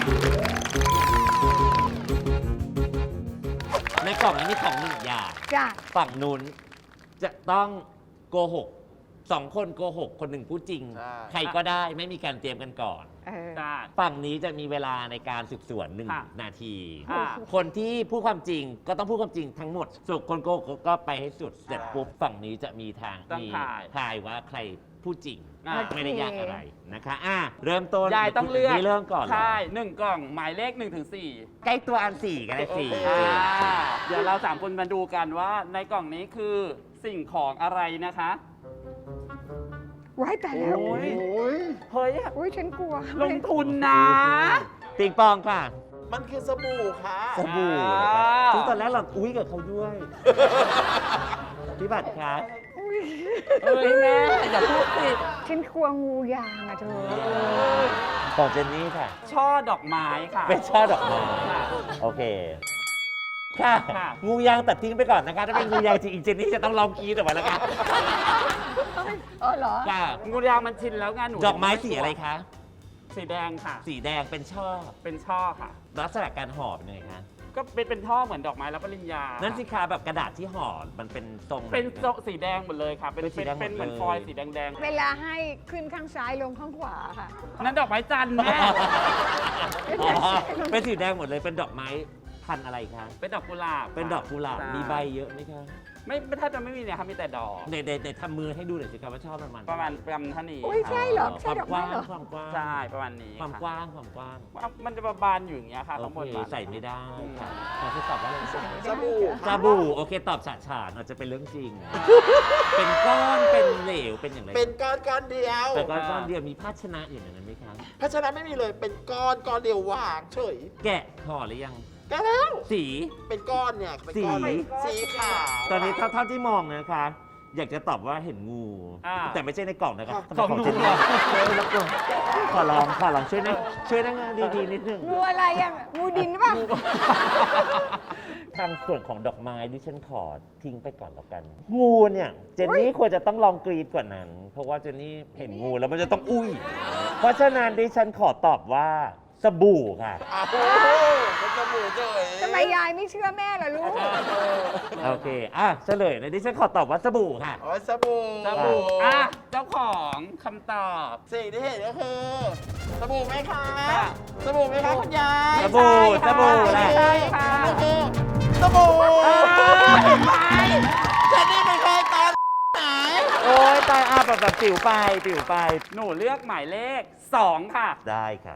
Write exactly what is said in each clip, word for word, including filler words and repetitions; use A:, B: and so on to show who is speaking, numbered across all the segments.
A: ในกล่องนี้มีของหนึ่งอย่าง
B: จ้ะ
A: ฝั่งนู้นจะต้องโกหกสองคนโกหกคนหนึ่งพูดจริง ใครก็ได้ไม่มีการเตรียมกันก่อน
B: เออ
C: ได้
A: ฝั่งนี้จะมีเวลาในการสืบสวนหนึ่ง
C: ค่ะ
A: นาที
C: ค่ะ
A: คนที่พูดความจริงก็ต้องพูดความจริงทั้งหมดส่วนคนโกหกก็ไปให้สุดเสร็จปุ๊บฝั่งนี้จะมีทาง
C: ต้อง
A: มี
C: ถ่าย
A: ทายว่าใครพูดจริง
C: อ่ะ
A: ไม่ได้ยากอะไรนะคะอ่ะเริ่มต้น
C: ยายต้องเลือก
A: นี่เริ่มก่อนเหรอ
C: ใช่หนึ่งกล่องหมายเลขหนึ่งถึงสี่
A: ใกล้ตัวอันสี่ก็ได้สี่
C: อ่าเดี๋ยวเราสามคนมาดูกันว่าในกล่องนี้คือสิ่งของอะไรนะคะ
B: ไว้แต่แล้ว
C: โอ้ย
D: โอ้ย
C: เฮ้ย
B: อุ้ยฉันกลัว
C: ลงทุนนะ
A: ติงปองค่ะ
D: มันคือสบู่ค่ะ
A: สบู่
C: อ่า
A: นะครับซึ่งตอนแรกเราอุ้ยกับเขาด้วย พี่บัตรครับ
B: อุ๊ย
C: เฮ้ยแม่อย่าพูดสิ
B: ฉันกลัวงูยางอะเธอ
A: ของเจนนี่ค่ะ
C: ช่อดอกไม้ค่ะ
A: เป็นช่อดอกไม้
C: ค่ะ
A: โอเค ค่ะ
C: ค่ะ
A: งูยางตัดทิ้งไปก่อนนะคะ ถ้าเป็นงูยางจริงอีเจนนี่จะต้องลองกรีดออกมาแล้วค่ะ
B: เออเหรอ
A: ค่ะ
C: งูยางมันชินแล้วไงหนู
A: ดอกไม้สีอะไรคะ
C: สีแดงค่ะ
A: สีแดงเป็นช่อ
C: เป็นช่อค่ะ
A: ลักษณะการห่อเป็นยังไงคะ
C: ก็เป็นเป็นช่อเหมือนดอกไม้รับปริญญา
A: นั่
C: นั่
A: นสิคะแบบกระดาษที่ห่อมันเป็นทรง
C: เป็นโซสีแดงหมดเลยค่ะ เป็น
A: เป็นสี
C: เป็น
A: แดงหมด
C: เป็นเหมือน
A: เลย
C: ฟอยล์สีแดง
B: เวลาให้ขึ้นข้างซ้ายลงข้างขวาค่ะ
C: ๆนั่นดอกไม้จันทร์แม่
A: อ๋อเป็นสีแดงหมดเลยเป็นดอกไม้พันธุ์อะไรคะ
C: เป็นดอกกุหลาบ
A: เป็นดอกกุหลาบ
C: ช่
A: มีใบเยอะไหมคะ
C: ไม่ไม่แทบจะไม่มีเนี่ยครับมีแต่ดอก
A: ในในในทำมือให้ดูหน่อยสิครับว่าชอบประมาณ
C: ประมาณประมาณเท่านี้
B: อุ๊ยใช่เหรอ
A: ความกว้าง
B: ใช่ดอกไม้เหรอ
A: ความกว้าง
C: ใช่ประมาณนี้
A: ความ
C: ค่ะ
A: กว้างความกว้าง
C: มันจะประบานอยู่อย่างเงี้ยค่ะ
A: โอ
C: ข้างบน
A: เค
C: บาน
A: ใส่ไม่ได้
C: อืม
A: ค่ะขอทดสอบว่าอะไร
D: สบู่
A: สบู่โอเคตอบฉะฉานอาจจะเป็นเรื่องจริง เป็นก้อนเป็นเหลวเป็นอย่างไร
D: เป็นก้อนก้อนเดียว
A: แต่ก้อนก้อนเดียวมีภาชนะอย่างนั้นไหมครับ
D: ภาชนะไม่มีเลย เป็นก้อนก้อนเดียววางเฉย
A: แกะห่อหรือยัง
D: แกแล้ว
A: สี
D: เป็นก้อนเนี่ยเป็นก้อน
A: สี
D: สีขาว
A: ตอนนี้เท่าเท่าที่มองนะคะ อยากจะตอบว่าเห็นงู
C: อ่า
A: แต่ไม่ใช่ในกล่องนะครับ
C: ของหนู
A: เจน
C: เหร
A: นี่
C: อ
A: รบกวนขอลองขอลองช่วยนะช่วยนะงานดีๆนิดนึง
B: งูอะไรอะงูดินป่ะ
A: ทางส่วนของดอกไม้ดิฉันขอทิ้งไปก่อนแล้วกัน งูเนี่ยเจนนี่ควรจะต้องลองกรีดกว่านั้น เพราะว่าเจนนี่เห็นงูแล้วมันจะต้องอุ้ย เพราะฉะนั้นดิฉันขอตอบว่าสบู่ค่ะ
D: อ้าวเป็นสบู่เฉย
B: ทำไมยายไม่เชื่อแม่ล่ะลูก
A: โอเค อ่ะเฉลยนะดิฉันขอตอบว่าสบู่ค่ะ
D: อ๋อสบู่
C: สบู่อ่ะเจ้าของคำตอบ
D: สิ่งที่เห็นก็คือสบู่ไหมคะ
C: ค่ะ
D: สบู่ไหมคะคุณยาย
A: สบู่
C: ไม่ใช่
A: สบู่แหละ
C: ไม่ใช่ค่ะ
D: ก็คือสบู่
C: เห็นไหม
D: ฉันนี่ไม่เคยตอนไหน
A: โอ้ยตายอ่ะแบบแบบปิวไปปิวไป
C: หนูเลือกหมายเลขสองค่ะ
A: ได้ค่ะ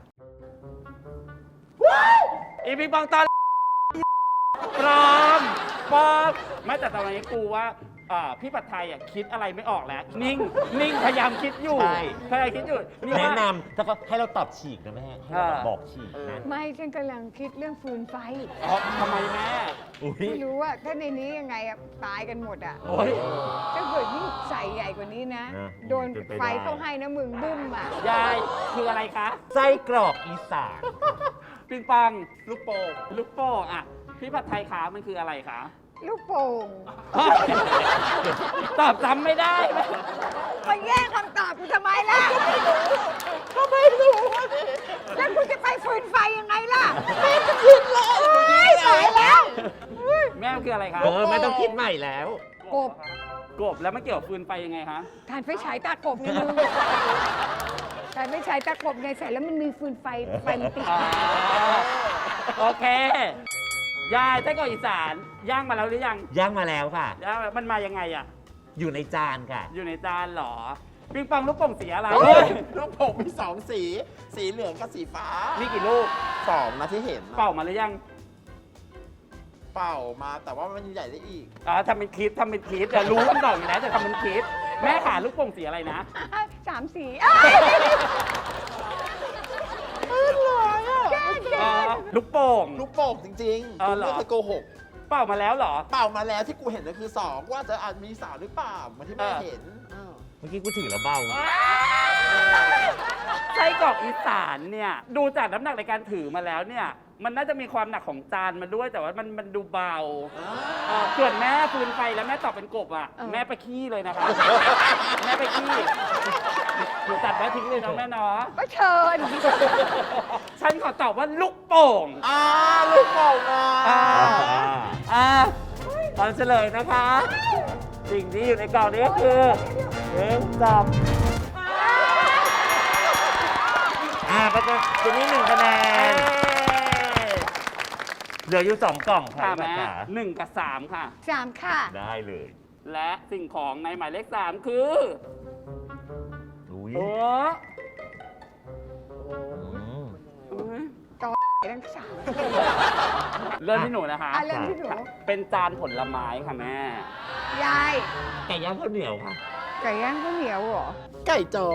C: อีพิงปองตอนปลอมปลอมไม่แต่ตอนนี้กูว่าอ่าพี่ปัดไทยอ่ะคิดอะไรไม่ออกแล้ว นิ่ง นิ่งพยายามคิดอยู่
A: ใช่
C: พยายามคิดอยู่นี่
A: แนะ
C: ว่าน
A: ำแล้วก็ให้เราตอบฉีกนะแม่ให้เราแบบ
C: อ่า
A: บอกฉีกนะ
B: ไม่ฉันกำลังคิดเรื่องฟืนไฟ
C: อ๋อทำไมแม่
A: อุ้ย
B: ไม่รู้ว่าถ้าในนี้ยังไงอะตายกันหมดอะ
C: โอ้ย
B: ถ้าเกิดยิ่งใส่ใหญ่กว่านี้นะ
A: นะ
B: โดน
A: เป็นไปได้
B: ไฟเข้าให้นะมึงบึ้มอะ
C: ยายคืออะไรคะ
A: ไส้กรอกอีสาน
C: ปิงปอง
D: ลูกโป่ง
C: ลูกโป่งอ่ะ พี่ผัดไทยคะมันคืออะไรคะ
B: ลูกโป่ง
C: ตอบจำไม่ได้ไหม
B: มาแย่งคำตอบกูทำไมล่ะก็ไม่รู้แล้วกูจะไปฟืนไฟยังไงล่ะไม่จะคิดเลยตายแล้ว
C: แม่มันคืออะไรคะ
A: เออไม่ต้องคิดใหม่แล้ว
B: กบ
C: กบแล้วมันเกี่ยวกับฟืนไฟยังไงคะ
B: ทานไฟฉายตากบไงมึงทานไฟฉายตากบไงใส่แล้วมันมีฟืนไฟไฟมันติด
C: อ่าโอเค ยายไส้กรอกอีสานย่างมาแล้วหรือยัง
A: ย่างมาแล้วค่ะ
C: ย่างมันมายังไงอ่ะ
A: อยู่ในจานค่ะ
C: อยู่ในจานเหรอ ปิงปองลูกโป่งสีอะไร
D: เฮ้ยลูกโป่งมีสองสี สีเหลืองกับสีฟ้า
C: มีกี่ลูก
D: สองนะที่เห็นนะ
C: เป่ามาหรือยัง
D: เป่ามาแต่ว่ามันใหญ่ได้อีก
C: อ๋อทำเป็นคิดทำเป็นคิดแต่รู้คำตอบอยู่แล้วแต่ทำเป็นคิด แม่ขาลูกโป่งสีอะไรนะ
B: สามสีอ้าว
C: อ๋อลูกโป่ง
D: ลูกโป่งจริงๆ
C: อ๋อ
D: กู
C: เหรอ
D: ไม่เคยโกหก
C: เป่ามาแล้วเหรอ
D: เป่ามาแล้วที่กูเห็นก็คือสองว่าจะอาจมีสาวหรือเปล่าเหมันที่แม่
C: เออ
D: เห็นอ้าว
A: เมื่อกี้กูถือแล้วเบา
C: ไส้กรอกอีสานเนี่ยดูจากน้ำหนักในการถือมาแล้วเนี่ย มันน่าจะมีความหนักของจานมาด้วยแต่ว่ามันมันดูเบาเอ่อส่วนแม่ฟืนไฟแล้วแม่ตอบเป็นกบอ่ะ แม่ไปขี้เลยนะคะ แม่ไปขี้หนูตัดไว้ทิ้งเลยเนาะแม่เนาะ
B: ก็เชิญ
C: ฉันขอตอบว่าลูกโป่ง
D: อ่าลูกโป่งอ่ะ
C: อ่า
A: อ่าตอนเฉลยนะคะ สิ่งที่อยู่ในกล่องนี้ก็คือหนึ่งสองอ่าประกาศจะนี่หนึ่งคะแนน เหลืออยู่สองกล่องค่ะ
C: ค่ะ
A: พี่
C: แม่
A: ขา
C: หนึ่งกับสามค่ะ
B: สามค่ะ
A: ได้เลย
C: และสิ่งของในหมายเลขสามคือ
A: อุ้ย
C: โอ้
A: อืม
B: ทั้งสาม
C: เริ่มที่หนูนะคะ
B: อ่ะเริ่มที่หนู
C: เป็นจานผลไม้ค่ะแม่
B: ยาย
A: ไก่ย่างข้าวเหนียวค่ะ
B: ไก่ย่างข้าวเหนียวเหรอ
D: ไก่จ๋อ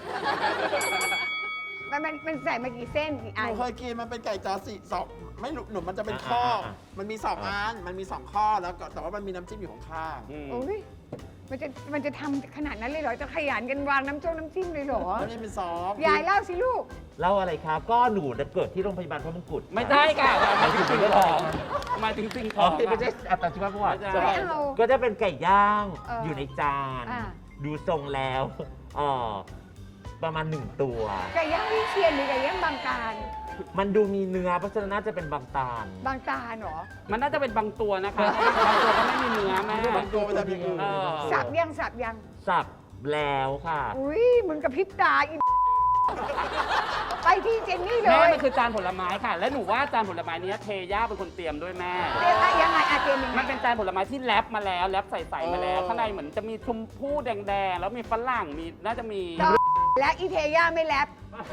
B: มันมันมันใส่มากี่เส้นกี่
D: ห
B: อัน
D: นูเคยกินมันเป็นไก่จ๋อสี่สองไม่รู้หนูมันจะเป็นข้อ
A: อ่า
D: มันมีสองอัน มันมีสองข้อแล้วก็แต่ว่ามันมีน้ำจิ้มอยู่ข้าง
C: อืม
B: โอ้ยมันจะมันจะทำขนาดนั้นเลยเหรอ จะขยันกันวางน้ำจ้งน้ำจิ้มเลยเหรอ
D: ๆแล้วนี่เป็นซอส
B: ยายเล่าสิลูก
A: เล่าอะไรคะก็หนูน่ะเกิดที่โรงพยาบาลพระมงกุฎ
C: ไม่ได้ค่ะหมายถึงสิ่งของหมายถึงสิ่งข
A: อ๋อ
C: อง
A: ไม่ใช่อัตชีวประวัติ
C: ไม่ใช่
B: ไม่เอา
A: ก็จะเป็นไก่ย่าง
B: เออ
A: อ
B: อยู่
A: ในจาน
B: อ่า
A: ดูทรงแล้วเออประมาณหนึ่งตัว
B: ไก่ย่างวิเชียนหรือไก่ย่างบางตาล
A: มันดูมีเนื้อเพราะฉะนั้นน่าจะเป็นบางตาล
B: บางตาลเหรอ
C: มันน่าจะเป็นบางตัวนะคะ บางตัวก็ไม่มีเนื้อแม่
D: บางตัวมันจะมีอื่น
C: เออ
B: สับยังสับยัง
A: สับแล้วค่ะ
B: อุ้ยมึงกับพริบตาอี ไปที่เจนนี่เล
C: แม่
B: ย
C: มันคือจานผลไม้ค่ะ และหนูว่าจานผลไม้เนี้ยเทย่าเป็นคนเตรียมด้วยแม่
B: เรียกว่ายังไงอาเจนยังไง
C: มันเป็นจานผลไม้ที่แรปมาแล้วแรปใส่ๆมาแล้ว ข้างในเหมือนจะมีชมพู่แดงๆ แล้วมีฝรั่งมีน่าจะมี
B: ต่อและอีเทย่าไม่แรป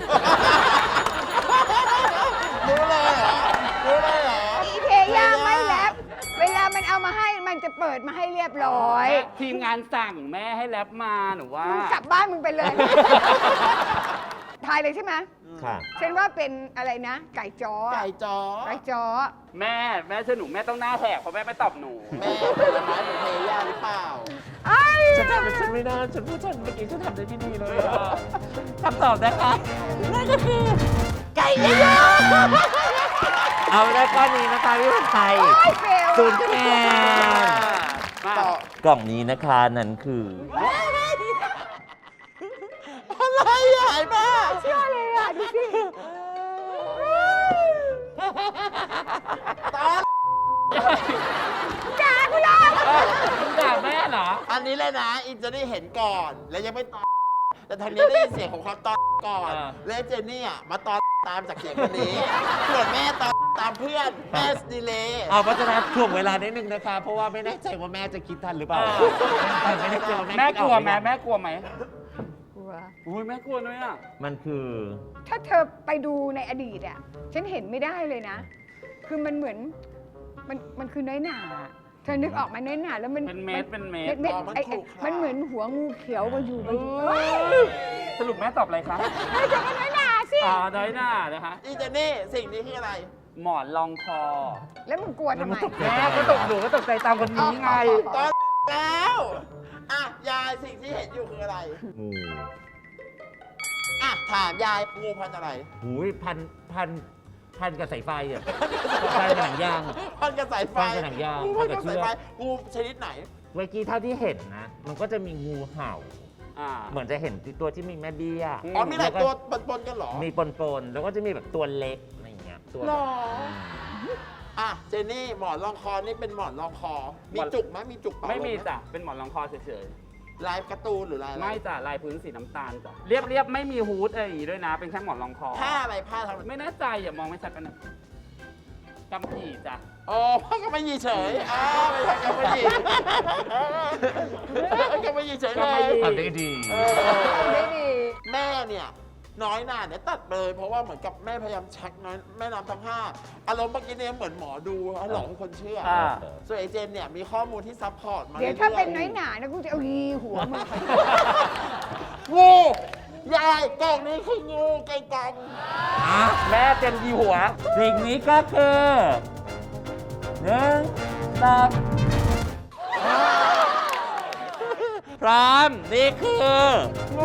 D: รู้เลยเหรอ รู้เลยเหรอ
B: อีเทย่าไม่แรปเวลามันเอามาให้มันจะเปิดมาให้เรียบร้อย
C: ทีมงานสั่งแม่ให้แรปมาหนูว่า
B: มึงกลับบ้านมึงไปเลย ทายเลยใช่ไหม
A: ค่ะ
B: ฉันว่าเป็นอะไรนะ ไก่จ้อ
D: ไก่จ๋อ
B: ไก่จ้อ
C: แม่แม่เชื่อหนูแม่ต้องหน้าแหกเพราะแม่ไม่ตอบหนู
D: แม่ผลไม้ของเทย่าหรือเปล่า
B: ไอ้
A: ฉันทำฉันไม่น่าฉันพูดฉันเมื่อกี้ฉันทำได้ไม่ดีเลยอะคำตอบนะคะนั่นก็คือไก่ย่างเอาได้ก้อนนี้นะคะพี่ผัดไทย
B: ไอ้เฟล
A: ศูนย์คะแนน
C: มา
D: ต่อ
A: กล่องนี้นะคะนั่นคือ
D: อะไรใหญ่มาก
B: เชื่อเลยอ่ะ ดูสิ
D: ตอน
B: จ้าคุณล่ะ
C: มึงด่าแม่เหรอ
D: อันนี้เลยนะ อินจะได้เห็นก่อน แล้วยังไม่ตอนแต่ทางนี้ได้ยินเสียงของเขาตอนก่อน
C: อ่า
D: แล้วเจนนี่อ่ะมาตอนตามจากเสียงคนนี้ ส่วนแม่ตอนตามเพื่อน แม่สดีเลย
A: เอาเพราะฉะนั้นถ่วงเวลานิดนึงนะคะ เพราะว่าไม่แน่ใจว่าแม่จะคิดทันหรือเปล่าไม่แน่ใจว่า
C: แม่
A: แม่
C: กลัวไหม
A: คิดออ
C: แม่กลัวไหม
B: กลัว
C: อุ้ยแม่กลัวด้วยอ่ะ
A: มันคือ
B: ถ้าเธอไปดูในอดีตอ่ะ ฉันเห็นไม่ได้เลยนะ คือมันเหมือน มันมันคือน้อยหนา เธอนึกออกไหมน้อยหนาแล้วมัน
C: เป็นเม็ดเป็นเม็ด
B: เม็ด
D: อ๋อมัน
B: ไอ้
D: ขรุขระ
B: มันเหมือนหัวงูเขียวมาอยู่มาอยู่
C: เอ้ยสรุปแม่ตอบอะไรคะ
B: เฮ้ยจะเป็นน้อยหนาสิ
C: อ๋อน้อยหน้านะคะ
D: อีเจนนี่สิ่งนี้คืออะไร
C: หมอนรองคอ
B: แล้วมึงกลัวทำไม
C: แม่ก็ตกหนูก็ตกใจตามคนนี้ไง
D: ตอนแล้ว อ่ะ ยายสิ่งที่เห็นอยู่คืออะไร
A: งู
D: อ่ะ ถามยายงูพันธุ์อะไร
A: หูยพันพันพันกับสายไฟอ่ะพันกับหนังยาง
D: พันกระสายไฟ
A: พันกับหนังยาง
D: งูพันกระ
A: พันกับเชื
D: สาย
A: อก
D: ไฟงูชนิดไหน
A: เมื่อกี้เท่าที่เห็นนะ มันก็จะมีงูเห่า
C: อ่า
A: เหมือนจะเห็นตัวที่มีแม่เบี้ย
C: อืม
D: อ๋อ มีหลายตัวปนๆกันเหรอ
A: มีปนๆ แล้วก็จะมีแบบตัวเล็กอะไรอย่างเงี้ย ตัว
D: หรอ
A: อืม
D: อ่ะ เจนนี่หมอนรองคอนี่เป็นหมอนรองคอ มีจุกไหมมีจุกเปล่า
C: ไม่มี
D: ลงห
C: จ้ะ เป็นหมอนรองคอเฉย
D: ลายการ์ตูนหรือลาย
C: ๆ
D: อะไร
C: ไม่จ้ะ ลายพื้นสีน้ำตาลจ้ะ เรียบเรียบๆไม่มีฮูดอะไรอย่างงี้ด้วยนะ เป็นแค่หมอนรองคอ
D: ผ้าอะไรผ้าทำ
C: ไม่แน่ใจอย่ามองไม่ชัดกันนะกำผีจ้ะ
D: อ๋อผ้ากำมะหยี่เฉยอ้าไม่ใช่กำมะหยี่กำมะหยี่เฉยเลย
A: ทำได้ดี
D: เออ
B: ได้ดี
D: แม่เนี่ย น้อยหน่าเนี่ยตัดไปเลยเพราะว่าเหมือนกับแม่พยายามชักน้อยแม่น้ำทั้งห้าอารมณ์เมื่อกี้เนี่ยเหมือนหมอดูหลอกให้คนเชื่อ
C: อ่า
D: ส่วนไอเจนเนี่ยมีข้อมูลที่ซัพพอร์ตมา
B: เดี๋ยว
D: รื่
B: ถ้า
D: ๆ
B: เป็นน้อยหนานะกูจะเอายีหัวมึง
D: งูยายกล่องนี้คืองูไก่กอง
A: อ่ะ
C: แม่เต็มยีหัว
A: สิ่งนี้ก็คือหนึ่งสองพร้อม นี่คือ
D: งู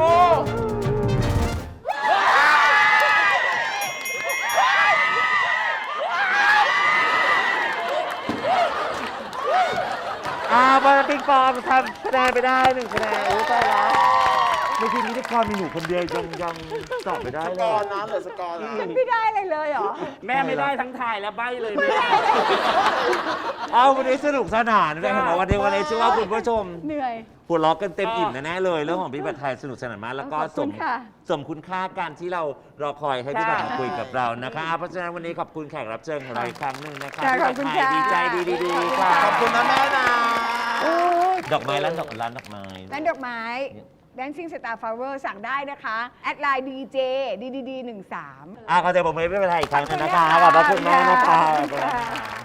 A: อ่าบอลปิงปองทำคะแนนไปได้หนึ่งคะแนนรู้ใจแล้วไม่ใช่พิธีกรมีหนูคนเดียวยังยังตอบไม่ได้
D: ส
A: เล
D: กอร์
A: ย
D: นะเหลือสกอร์นะ
B: ฉันไม่ได้อะไรเลยเหรอ
C: แม่ไม่ได้ทั้งทายและใบเลยแม่
A: เอาวันนี้สนุกสนานเลยเห็นไหมวันนี้วันนี้เชื่อว่าคุณผู้ชม
B: เหนื่อย
A: หัวเราะกันเต็มอิ่มแน่ๆเลยเรื่องของพี่ผัดไทยสนุกสนานมากแล้วก็
B: ขอบ
A: ส
B: คุณ
A: ม
B: ค่ะ
A: สมคุณค่าการที่เรารอคอยให้พี่ผัด
C: ค่ะ
A: มาคุยกับเรานะคะเพราะฉะนั้นวันนี้ขอบคุณแขกรับเชิญของเราอีกครั้งหนึ่งนะคะ
B: ค่ะ
A: พี่
B: ขอ
A: ผั
B: บ
A: ด
B: คุณ
A: ไทย
B: ค่ะ
A: ดีใจดีๆค่ะ
D: ขอบคุณนะแม่นะ
B: โอ้ย
A: ดอกไม้ร้านดอกร้านดอกไม้
B: ร้านดอกไม้ Dancing Star Flower สั่งได้นะคะ แอดไลน์ ดี เจ ดี ดี ดี หนึ่งสาม
A: อ่ะขอเสียงปรบมือให้พี่ผัดไทยอีกครั้งหนึงนะคะขอบพระคุณมากนะคะ
B: ขอบคุณค่ะ